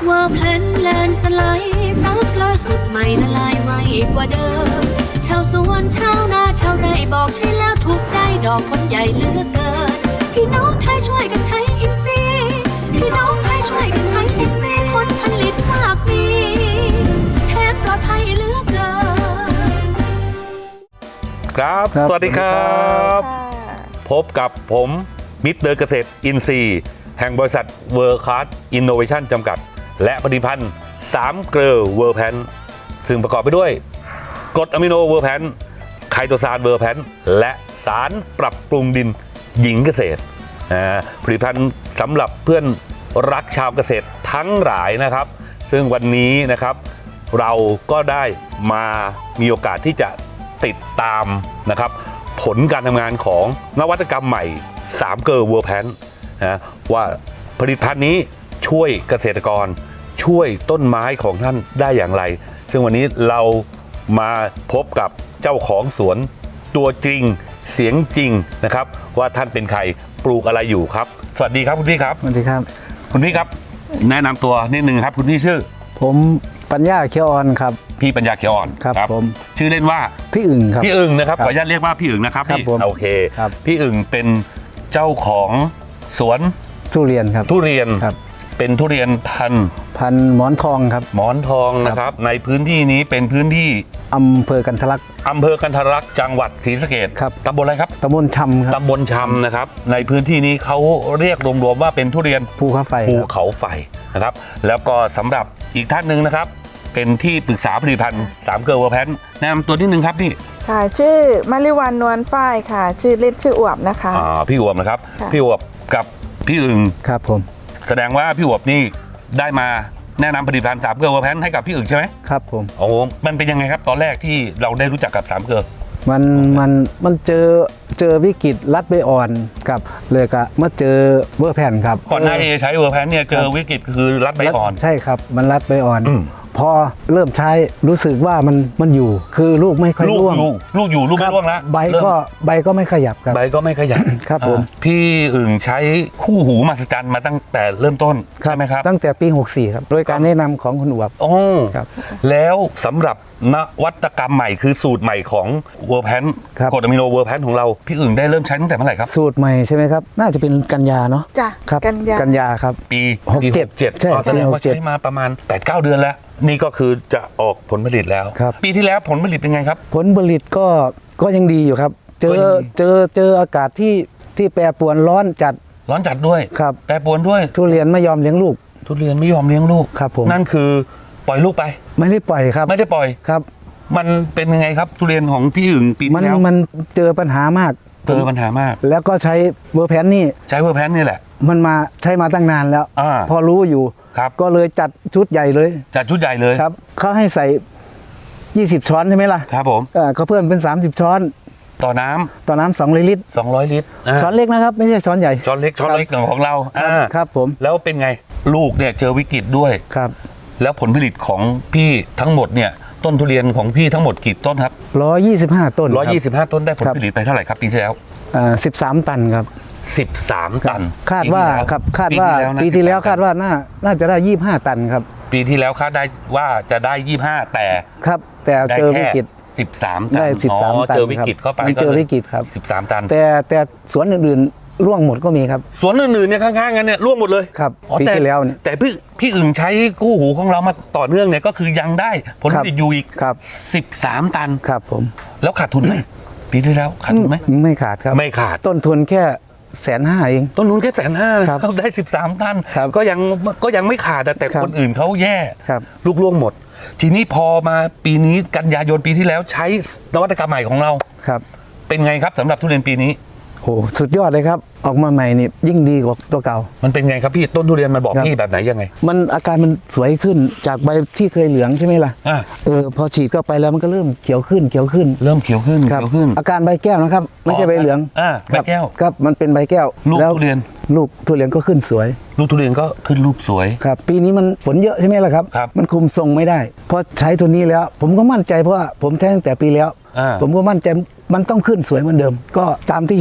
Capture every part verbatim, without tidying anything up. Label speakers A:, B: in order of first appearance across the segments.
A: ว่าแพลนแลนสไลด์ซับล่าสุดใหม่ละลายไวกว่าเดิมชาวสวนชาวนาชาวไร่บอกใช่แล้วถูกใจดอกคนใหญ่เหลือกเกินพี่น้องไทยช่วยกันใช้อิฟซีพี่น้องไทยช่วยกันใช้อิฟซีผลผลิตมากมีแทนปลอดภัยเหลือกเกิน
B: ครับ สวัสดีครับพบกับผมมิสเตอร์เกษตรอินทรีย์แห่งบริษัทเวิร์คคาร์ดอินโนเวชั่นจำกัดและผลิตภัณฑ์สามเกลอเวอร์แพนซึ่งประกอบไปด้วยกรดอะมิโนเวอร์แพนไคโตซานเวอร์แพนและสารปรับปรุงดินหญิงเกษตรผลิตภัณฑ์สำหรับเพื่อนรักชาวเกษตรทั้งหลายนะครับซึ่งวันนี้นะครับเราก็ได้มามีโอกาสที่จะติดตามนะครับผลการทำงานของนวัตกรรมใหม่สามเกลอเวอร์แพนนะว่าผลิตภัณฑ์นี้ช่วยเกษตรกรช่วยต้นไม้ของท่านได้อย่างไรซึ่งวันนี้เรามาพบกับเจ้าของสวนตัวจริงเสียงจริงนะครับว่าท่านเป็นใครปลูกอะไรอยู่ครับสวัสดีครับคุณพี่ครับ
C: สวัสดีครับ
B: คุณพี่ครับแนะนำตัวนิดนึงครับคุณพี่ชื่อ
C: ผมปัญญาเขียวอ่อนครับ
B: พี่ปัญญาเขียวอ่อน
C: ครับผม
B: ชื่อเล่นว่า
C: พี่อึ่งครับ
B: พี่อึ่งนะครับขออนุญาตเรียกว่าพี่อึ่งนะครับพี่โอเคพี่อึ่งเป็นเจ้าของสวน
C: ทุเรียนครับ
B: ทุเรียนเป็นทุเรียนพัน
C: พันหมอนทองครับ
B: หมอนทองนะครับในพื้นที่นี้เป็นพื้นที่
C: อำเภอกันทะลัก
B: อำเภอกันทะลักจังหวัดศรีสะเกษ
C: ครับ
B: ตำบลอะไรครับ
C: ตำบลชำครับ
B: ตำบลชำนะครับในพื้นที่นี้เขาเรียกรวมๆว่าเป็นทุเรียน
C: ภูเขาไฟ
B: ภูเขาไฟนะครับแล้วก็สำหรับอีกท่านหนึ่งนะครับเป็นที่ปรึกษาผลิตภัณฑ์สามเกลอเวอร์แพนแนะนำตัวนิดนึงครับพี่
D: ค่ะชื่อมาริวันนวลฝ้ายค่ะชื่อเล่นชื่ออวบนะคะ
B: อ่าพี่อวบนะครับพี่อวบกับพี่อึ่ง
C: ครับผม
B: แสดงว่าพี่อวบนี่ได้มาแนะนำผลิตภัณฑ์สามเกลอเวอร์แพนให้กับพี่อึ่งใช่ไหม
C: ครับผม
B: โอ้มันเป็นยังไงครับตอนแรกที่เราได้รู้จักกับสามเกลอ
C: มันมันมันเจอเจอวิกฤตรัดใบอ่อนกับเลยก็มาเจอเวอร์แพนครับ
B: ก่อนหน้าที่จะใช้เวอร์แพนเนี่ยเจอวิกฤตคือรัดใบอ่อน
C: ใช่ครับมันรัดใบอ่อนพอเริ่มใช้รู้สึกว่ามันมันอยู่คือลูกไม่ค่อยร่วง
B: ลูกอยู่ลูกไม่ร่วงแล้ว
C: ใบก็ใบก็ไม่ขยับครับ
B: ใบก็ไม่ขยับ
C: ครับผม
B: พี่อึ่งใช้คู่หูมหัศจรรย์มาตั้งแต่เริ่มต้นใช่ไหมครับ
C: ตั้งแต่ปีหกสี่ครับโดยการแนะนำของคุณอวบ
B: โอ้ครับแล้วสำหรับนวัตกรรมใหม่คือสูตรใหม่ของเวอร์แพนกรดอะมิโนเวอร์แพนของเราพี่อึ่งได้เริ่มใช้ตั้งแต่เมื่อไหร่ครับ
C: สูตรใหม่ใช่ไหมครับน่าจะเป็นกันยาเนาะ
D: จ้ะ
C: ครับ
D: กันยา
C: กันยาครับ
B: ปี
C: หกเจ็ด
B: ใช่แสดงว่าใช้มาประมาณ แปดเก้า เดือนแล้วนี่ก็คือจะออกผลผลิตแล้วปีที่แล้วผลผลิตเป็นไงครับ
C: ผลผลิตก็ก็ยังดีอยู่ครับเจอเจอเจออากาศที่ที่แปรปรวนร้อนจัด
B: ร้อนจัดด้วย
C: ครับ
B: แปรปรวนด้วย
C: ทุเรียนไม่ยอมเลี้ยงลูก
B: ทุเรียนไม่ยอมเลี้ยงลูก
C: ครับผม
B: นั่นคือปล่อยลูกไป
C: ไม่ได้ปล่อยครับ
B: ไม่ได้ปล่อย
C: ครับ
B: มันเป็นยังไงครับทุเรียนของพี่อึ่งปีที่แล้ว
C: มันเจอปัญหามาก
B: เจอปัญหามาก
C: แล้วก็ใช้เวอร์แพนนี่
B: ใช้เวอร์แพนนี่แหละ
C: มันมาใช้มาตั้งนานแล้วพอรู้อยู่ก็เลยจัดชุดใหญ่เลย
B: จัดชุดใหญ่เลย
C: ครับเขาให้ใส่ยี่สิบช้อนใช่ไหมล่ะ
B: ครับผม
C: เขาเพิ่มเป็นสามสิบช้อน
B: ต่อน้ำ
C: ต่อน้ำสองร้อยลิตร
B: สองร้อยลิตร
C: ช้อนเล็กนะครับไม่ใช่ช้อนใหญ่
B: ช้อนเล็กช้อนเล็กของเรา
C: ครับผม
B: แล้วเป็นไงลูกเนี่ยเจอวิกฤตด้วย
C: ครับ
B: แล้วผลผลิตของพี่ทั้งหมดเนี่ยต้นทุเรียนของพี่ทั้งหมดกี่ต้นครับ
C: ร้อยยี่สิบห้าต้น
B: ร้อยยี่สิบห้าต้นได้ผลผลิตไปเท่าไหร่ครับปีที่แล้ว
C: สิบสามตันครับ
B: สิบสามตัน
C: คาดว่าครับคาดว่าปีที่แล้วคาดว่าน่าน่าจะได้ยี่สิบห้าตันครับ
B: ปีที่แล้วคาดได้ว่าจะได้ยี่สิบห้าแต่
C: ครับแต่เจอวิกฤต
B: สิบสามตัน
C: ได้สิบสามตัน
B: เจอวิกฤตเข้าไป
C: เจอวิกฤตครับ
B: สิบสามตัน
C: แต่แต่สวนอื่นๆร่วงหมดก็มีครับ
B: สวนอื่นๆเนี่ยข้างๆกันเนี่ยร่วงหมดเลย
C: ครับปีที่แล้วเนี่ย
B: แต่พี่พี่อึ่งใช้คู่หูของเรามาต่อเนื่องเนี่ยก็คือยังได้ผลผลิตอยู่อีกสิบสามตัน
C: ครับผม
B: แล้วขาดทุนไหมปีที่แล้วขาดทุนไหม
C: ไม่ขาดครับ
B: ไม่ขาด
C: ต้นทุนแค่แสนห้าเอง
B: ต้นทุนแค่แสนห้าครับได้สิบสามตันก็ยังก็ยังไม่ขาดแต่คนอื่นเขาแย่ลูกล่วงหมดทีนี้พอมาปีนี้กันยายนปีที่แล้วใช้นวัตกรรมใหม่ของเรา
C: ครับ
B: เป็นไงครับสำหรับทุเรียนปีนี้
C: โหสุดยอดเลยครับออกมาใหม่นี่ยิ่งดีกว่าตัวเก่า
B: มันเป็นไงครับพี่ต้นทุเรียนมันบอกพี่แบบไหนยังไง
C: มันอาการมันสวยขึ้นจากใบที่เคยเหลืองใช่ไหมล่ะเออพอฉีดเข้าไปแล้วมันก็เริ่มเขียวขึ้นเขียวขึ้น
B: เริ่มเขียวขึ้นเขียวขึ้น
C: อาการใบแก้วนะครับไม่ใช่ใบเหลือง
B: อ่าใบแก้ว
C: ครับมันเป็นใบแก้ว
B: ลูกทุเรียน
C: ลูกทุเรียนก็ขึ้นสวย
B: ลูกทุเรียนก็ขึ้นลูกสวย
C: ครับปีนี้มันฝนเยอะใช่ไหมล่ะครับมันคุมทรงไม่ได้พอใช้ตัวนี้แล้วผมก็มั่นใจเพราะว่าผมใช้ตั้งแต่ปีแล้วผมก็มั่นใจมันต้องขึ้นสวยเหมือนเดิมก็ตามที่เห็น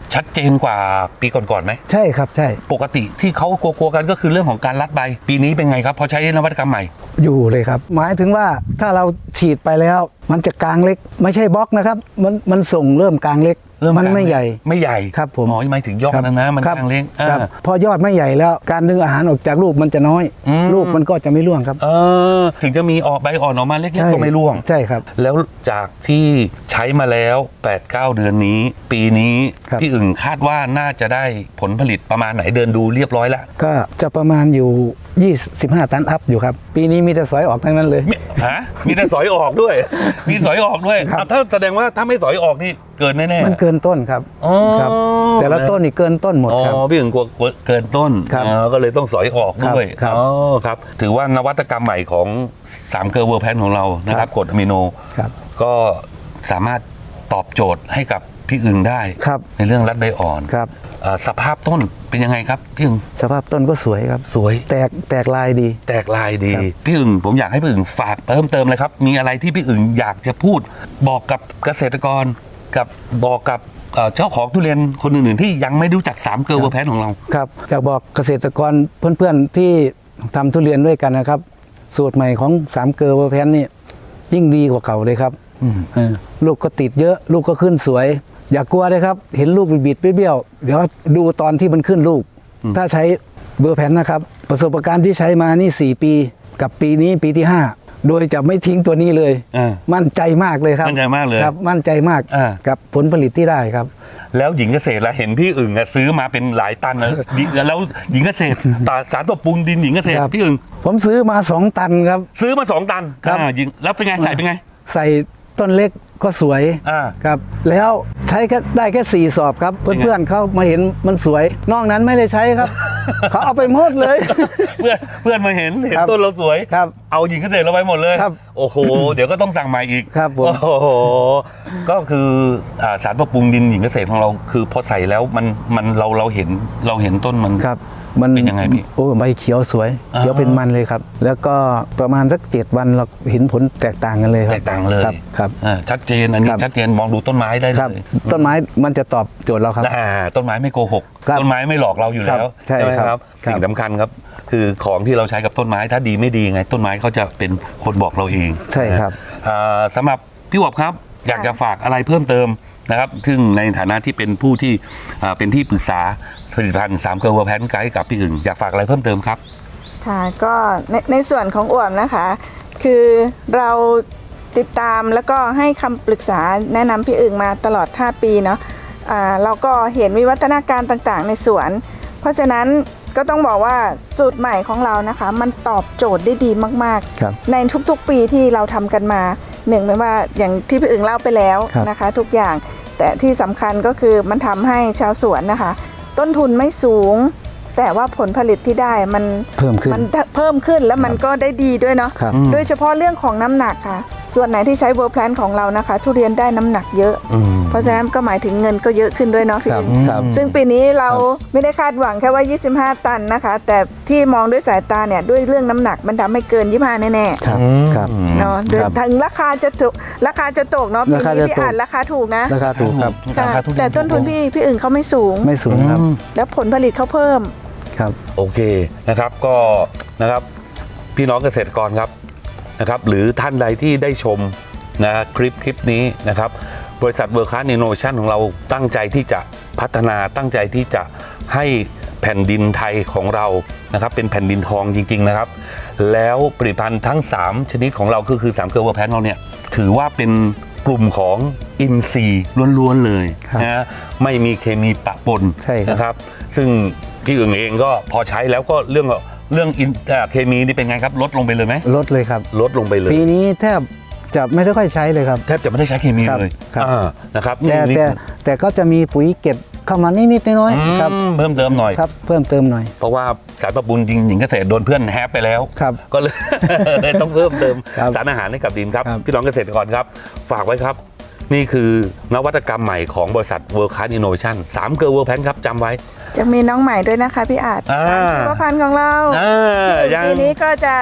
B: ชัดเจนกว่าปีก่อนๆไหม
C: ใช่ครับใช่
B: ปกติที่เขากลัวๆกันก็คือเรื่องของการรัดใบ ปีนี้เป็นไงครับพอใช้นวัตกรรมใหม่
C: อยู่เลยครับ หมายถึงว่าถ้าเราฉีดไปแล้ว มันจะกลางเล็ก ไม่ใช่บล็อกนะครับมันมันส่งเริ่มกลางเล็ก
B: เริ่ม
C: มัน
B: กลาง
C: ไม่ใหญ่
B: ไม่ใหญ่
C: ครับผม
B: อ๋อหมายถึงยอดนะนะมัน
C: ครับ
B: กลางเล็ก
C: ครับ
B: อ่า
C: พอยอดไม่ใหญ่แล้ว การดึงอาหารออกจากลูกมันจะน้อย
B: อืม
C: ลูกมันก็จะไม่ร่วงครับ
B: เออถึงจะมีออกใบอ่อนออกมาเล็ก
C: ใช่
B: ๆก็ไม่ร่วง
C: ใช่ครับ
B: แล้วจากที่ใช้มาแล้ว แปดเก้า เดือนนี้ ปีนี้
C: ครับ
B: พี่อึ่งคาดว่าน่าจะได้ผลผลิตประมาณไหนเดินดูเรียบร้อยแล้ว
C: ก็จะประมาณอยู่ยี่สิบห้าตันอัพอยู่ครับ ปีนี้มีแต่สอยออกทั้งนั้นเลย
B: มีฮะมีแต่สอยออกด้วย มีสอยออกด้วย
C: ครับ
B: อ่ะถ้าแสดงว่าถ้าไม่สอยออกนี่เกินแน่ๆ
C: มันเกินต้นครับ
B: อ๋อ
C: ครับ แต่ละต้นนี่เกินต้นหมด
B: อ๋อ
C: ครับ
B: พี่อึ่งกลัวเกินต้น
C: ครับ
B: อ๋อก็เลยต้องสอยออกด้วย
C: ครับ
B: อ๋อครับถือว่านวัตกรรมใหม่ของสามเกลอเวอร์แพนของเรานะครับกรดอะมิโน
C: ครับ
B: ก็สามารถตอบโจทย์ให้กับพี่อึ่งได้
C: ครับ
B: ในเรื่องรัดใบอ่อน
C: ครับ
B: เอ่อสภาพต้นเป็นยังไงครับพี่อึ่ง
C: สภาพต้นก็สวยครับ
B: สวย
C: แตกแตกลายดี
B: แตกลายดี
C: ครับ
B: พี่อึ่งผมอยากให้พี่อึ่งฝากเพิ่มเติมเลยครับ มีอะไรที่พี่อึ่งอยากจะพูด บอกกับเกษตรกรกับบอกกับเอ่อเจ้าของทุเรียนคนอื่นๆที่ยังไม่รู้จักสามเกลอเวอร์แพนของเรา
C: ครับอยากบอกเกษตรกรเพื่อนๆที่ทำทุเรียนด้วยกันนะครับ สูตรใหม่ของสามเกลอเวอร์แพนนี่ยิ่งดีกว่าเก่าเลยครับ
B: อืม
C: เออลูกก็ติดเยอะ ลูกก็ขึ้นสวย อย่ากลัวเลยครับ เห็นลูกบิดๆเบี้ยวๆเดี๋ยวดูตอนที่มันขึ้นลูก ถ้าใช้เบอร์แพนนะครับ ประสบการณ์ที่ใช้มานี่สี่ปีกับปีนี้ปีที่ห้าโดยจะไม่ทิ้งตัวนี้เลย
B: อ่า
C: มั่นใจมากเลยครับ
B: มั่นใจมากเลย
C: ครับมั่นใจมาก
B: อ่า
C: กับผลผลิตที่ได้ครับ
B: แล้วหญิงเกษตรละเห็นพี่อึ่งอะซื้อมาเป็นหลายตันนะ ดิแล้วหญิงเกษตรตาสารปรับปรุงดินหญิงเกษตร
C: ครับ
B: พี่อึ่ง
C: ผมซื้อมาสองตันครับ
B: ซื้อมาสองตัน
C: ครับ
B: อ่าหญิงแล้วเป็นไงใส่เป็นไง
C: ใส่ต้นเล็กก็สวย
B: อ่า
C: ครับ แล้วใช้แค่ได้แค่สี่สอบครับ
B: เป็นไง
C: เพื่อนๆเขามาเห็นมันสวย นอกนั้นไม่ได้ใช้ครับ เขาเอาไปหมดเลย
B: เพื่อนเพื่อนมาเห็นเห็น
C: ครับ
B: ต้นเราสวย
C: ครับ
B: เอาหญิงเกษตรเราไปหมดเลย
C: ครับ
B: โอ้โห เดี๋ยวก็ต้องสั่งใหม่อีก
C: ครับผม
B: โอ้โหก็คืออ่าสารปรับปรุงดินหญิงเกษตรของเราคือพอใส่แล้วมันมันเราเราเห็นเราเห็นต้นมัน
C: ครับมัน
B: เป็นยังไงพี่
C: โอ้ใบเขียวสวย
B: อ่า
C: เขียวเป็นมันเลยครับ แล้วก็ประมาณสักเจ็ดวันเราเห็นผลแตกต่างกันเลยครับ
B: แตกต่างเลย
C: ครับครับ
B: อ่าชัดเจนอันนี้
C: ครับ
B: ชัดเจนมองดูต้นไม้ได้
C: ครับ
B: เลย
C: ต้นไม้มันจะตอบโจทย์เราครับ
B: อ่าต้นไม้ไม่โกหก
C: ครับ
B: ต้นไม้ไม่หลอกเราอยู่แล้ว
C: ครับใช่
B: ไหม
C: ครับ
B: ครับ
C: ครับ
B: สิ่งสำคัญครับ คือของที่เราใช้กับต้นไม้ถ้าดีไม่ดีไง ต้นไม้เขาจะเป็นคนบอกเราเอง
C: ใช่ครับ
B: อ่าสำหรับพี่หวบครับ อยากจะฝากอะไรเพิ่มเติมนะครับ ซึ่งในฐานะที่เป็นผู้ที่อ่าเป็นที่ปรึกษาผลิตภัณฑ์สามเกลอเวอร์แพนไกด์กับพี่อึ่งอยากฝากอะไรเพิ่มเติมครับ
D: ค่ะก็ในในส่วนของอ่วมนะคะ คือเราติดตามแล้วก็ให้คำปรึกษาแนะนำพี่อึ่งมาตลอดห้าปีเนาะอ่าเราก็เห็นวิวัฒนาการต่างๆ ในสวน เพราะฉะนั้นก็ต้องบอกว่าสูตรใหม่ของเรานะคะ มันตอบโจทย์ได้ดีมาก
C: ครับ
D: ๆ ในทุกๆปีที่เราทำกันมาหนึ่งไม่ว่าอย่างที่พี่อึ่งเล่าไปแล้ว
C: ครับ
D: นะคะ ทุกอย่างแต่ที่สำคัญก็คือมันทำให้ชาวสวนนะคะ ต้นทุนไม่สูง แต่ว่าผลผลิตที่ได้มัน
C: เพิ่มขึ้น
D: มันเพิ่มขึ้นแล้วมันก็ได้ดีด้วยเนาะ
C: ครับ
B: อืม
D: โดยเฉพาะเรื่องของน้ำหนักค่ะ ส่วนไหนที่ใช้เวอร์แพลนของเรานะคะ ทุเรียนได้น้ำหนักเยอะ
B: อืม
D: เพราะฉะนั้นก็หมายถึงเงินก็เยอะขึ้นด้วยเนาะพี่
C: ครับ
D: อึ่ง
C: ครับ
D: ซึ่งปีนี้เราไม่ได้คาดหวังแค่ว่า ยี่สิบห้า ตันนะคะ แต่ที่มองด้วยสายตาเนี่ยด้วยเรื่องน้ำหนักมันทำให้เกิน ยี่สิบห้า แน่
C: ครับครับ
D: ๆเนาะโดย
C: ครับ
D: ถึงราคาจะถูกราคาจะตกเนาะปี
C: ราคา
D: นี้
C: จะ
D: พี่
C: ตก
D: อ่านราคาถูกนะ
C: ราคาถูกครับ
B: รา
D: ค่ะ
B: คาทุเรียน
D: แต่ต้นทุนพี่พี่อึ่งเขาไม่สูง
C: ไม่สูงครับ
B: อืม
D: แล้วผลผลิตเขาเพิ่ม
C: ครับ
B: โอเคนะครับก็นะครับพี่น้องเกษตรกรครับนะครับหรือท่านใดที่ได้ชมนะคลิปคลิปนี้นะครับบริษัทเวิร์คคลาสอินโนเวชั่นของเราตั้งใจที่จะพัฒนาตั้งใจที่จะให้แผ่นดินไทยของเรานะครับเป็นแผ่นดินทองจริงๆนะครับแล้วผลิตภัณฑ์ทั้งสามชนิดของเราก็คือสามเกลอเวอร์แพนเราเนี่ยถือว่าเป็นกลุ่มของอินทรีย์ล้วนๆเลย
C: ครับ
B: นะไม่มีเคมีปะปน
C: ใช่ครับ
B: นะครับซึ่งพี่อึ่งเองก็พอใช้แล้วก็เรื่องเรื่องอินเอ่อเคมีนี่เป็นไงครับลดลงไปเลยไหม
C: ลดเลยครับ
B: ลดลงไปเลย
C: ปีนี้แทบจะไม่ได้ค่อยใช้เลยครับ
B: แทบจะไม่ได้ใช้เคมี
C: ครับ
B: เลย
C: ครับ
B: อ่านะครับ
C: แต่
B: นี่
C: แต่แต่ก็จะมีปุ๋ยเก็บเข้ามานิดๆน้อย
B: อืม
C: ๆครับ
B: เพิ่มเติมหน่อย
C: ครับ เพิ่มเติมหน่อย
B: เพราะว่าสารปรับปรุงจริงหญิงเกษตรโดนเพื่อนแฮปไปแล้ว
C: ครับ
B: ก็เลย เลยต้องเพิ่มเติม
C: ครับ
B: สารอาหารให้กับดินครับ
C: ครับ
B: พี่น้องเกษตรกรครับ ฝากไว้ครับ นี่คือนวัตกรรมใหม่ของบริษัท World Class Innovation สามเกลอเวอร์แพนครับจำไว้
D: จะมีน้องใหม่ด้วยนะคะพี่อาจ
B: อ่า
D: สามชีวพันธุ์ของเรา
B: อ่ายัง
D: ปีนี้ก็จะใช้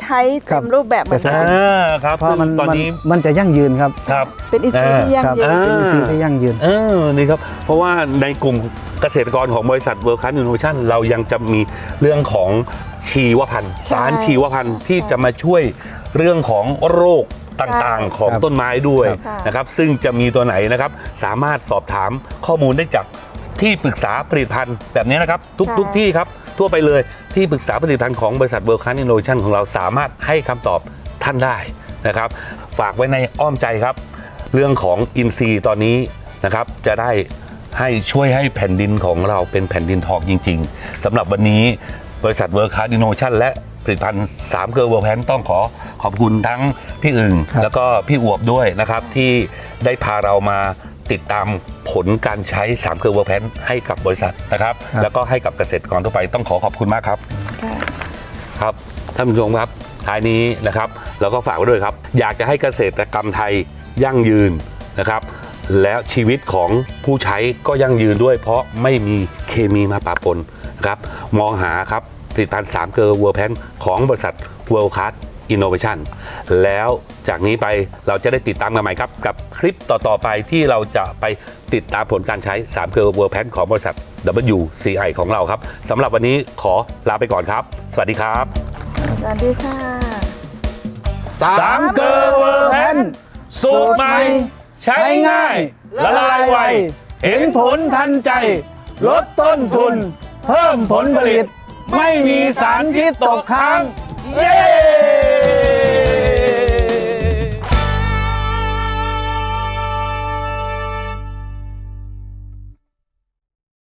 D: ใช้
C: ครั
D: เต็
C: บ
D: มรูปแบบเหมือน
C: ใช่
D: กั
B: อ่าน ครับ
C: เพราะ
B: ซึ่ง
C: มัน
B: ตอน
C: มัน
B: นี้
C: มันจะยั่งยืนครับ
B: ครับ
D: เป็นอินทรีย์ที่ยั่ง
C: ครับ
D: ยืน
C: เป็นอินทรีย์ที่ยั่งยืน
B: เออนี่ครับเพราะว่าในกลุ่มเกษตรกรของบริษัท World Class Innovation เรายังจะมีเรื่องของชีวพันธุ์
D: ใช่
B: สารชีวพันธุ์ที่จะมาช่วยเรื่องของโรคต่างๆ ของ
C: ครับ
B: ต้นไม้ด้วย
D: ครับ
B: นะครับซึ่งจะมีตัวไหนนะครับสามารถสอบถามข้อมูลได้จากที่ปรึกษาผลิตภัณฑ์แบบนี้นะครับทุก
D: ใช่
B: ทุกที่ครับทั่วไปเลยที่ปรึกษาผลิตภัณฑ์ของบริษัท World Class Innovation ของเราสามารถให้คำตอบท่านได้นะครับฝากไว้ในอ้อมใจครับ เรื่องของอินทรีย์ตอนนี้นะครับจะได้ให้ช่วยให้แผ่นดินของเราเป็นแผ่นดินทองจริงๆสำหรับวันนี้บริษัท World Class Innovation และผลิตภัณฑ์สามเกลือเวอร์แพนต้องขอขอบคุณทั้งพี่อึ่ง
C: ครับ
B: แล้วก็พี่อวบด้วยนะครับที่ได้พาเรามาติดตามผลการใช้สามเกลือเวอร์แพนให้กับบริษัทนะครับแล้วก็ให้กับเกษตรกรทั่วไปต้องขอขอบคุณมากครับ
D: ค่ะ
B: ครับท่านผู้ชมครับท้ายนี้นะครับเราก็ฝากไว้ด้วยครับ อยากจะให้เกษตรกรรมไทยยั่งยืนนะครับ แล้วชีวิตของผู้ใช้ก็ยั่งยืนด้วย เพราะไม่มีเคมีมาปะปนนะครับมองหาครับผลิตภัณฑ์สามเกลอเวอร์แพนของบริษัท World Class Innovation แล้วจากนี้ไปเราจะได้ติดตามกันใหม่ครับ กับคลิปต่อ ๆ ไปที่เราจะไปติดตามผลการใช้สามเกลอเวอร์แพนของบริษัท ดับเบิลยู ซี ไอ ของเราครับสำหรับวันนี้ขอลาไปก่อนครับ สวัสดีครับ
D: สวัสดีค่ะ
B: สามเกลอเวอร์แพนสูตรใหม่ใช้ง่ายละลายไวเห็นผลทันใจ ลดต้นทุน เพิ่มผลผลิต ไม่มีสารพิษตกค้าง เย้